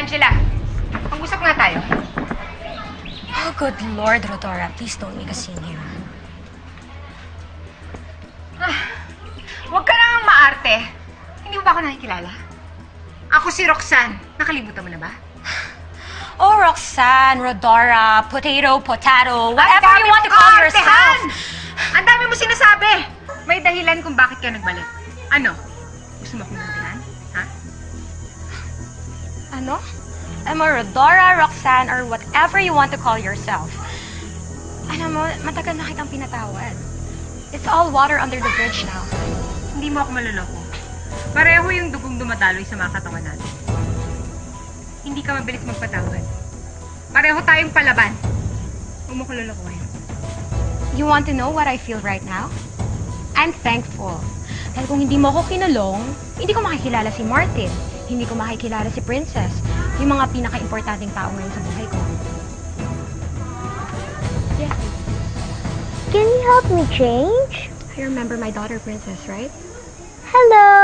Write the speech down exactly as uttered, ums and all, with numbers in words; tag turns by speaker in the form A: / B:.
A: Angela, mag-usap nga tayo.
B: Oh, good Lord, Rodora. Please don't make a scene here.
A: Ah, huwag ka nang maarte. Hindi mo ba ako nakikilala? Ako si Roxanne. Nakalimutan mo na ba?
B: Oh, Roxanne, Rodora, potato, potato,
A: Ang
B: whatever
A: dami
B: you want to
A: mong
B: call
A: kaartehan!
B: yourself.
A: Ang dami mo sinasabi! May dahilan kung bakit ka nagbalik. Ano? Gusto mo akong nandihan? Ha?
B: Ano? I'm a Rodora, Roxanne, or whatever you want to call yourself. Alam mo, matagal na kitang pinatawad. It's all water under the bridge now.
A: Hindi mo ako maluloko. Pareho yung dugong dumadaloy sa mga katawan natin. Hindi ka mabilis magpatawad. Pareho tayong palaban. Huwag mo ko lulukuhin.
B: You want to know what I feel right now? I'm thankful. Dahil kung hindi mo ako kinulong, hindi ko makikilala si Martin. Hindi ko makikilala si Princess. Yung mga pinaka-importanting tao ngayon sa buhay ko. Yeah.
C: Can you help me change?
B: I remember my daughter, Princess, right?
C: Hello!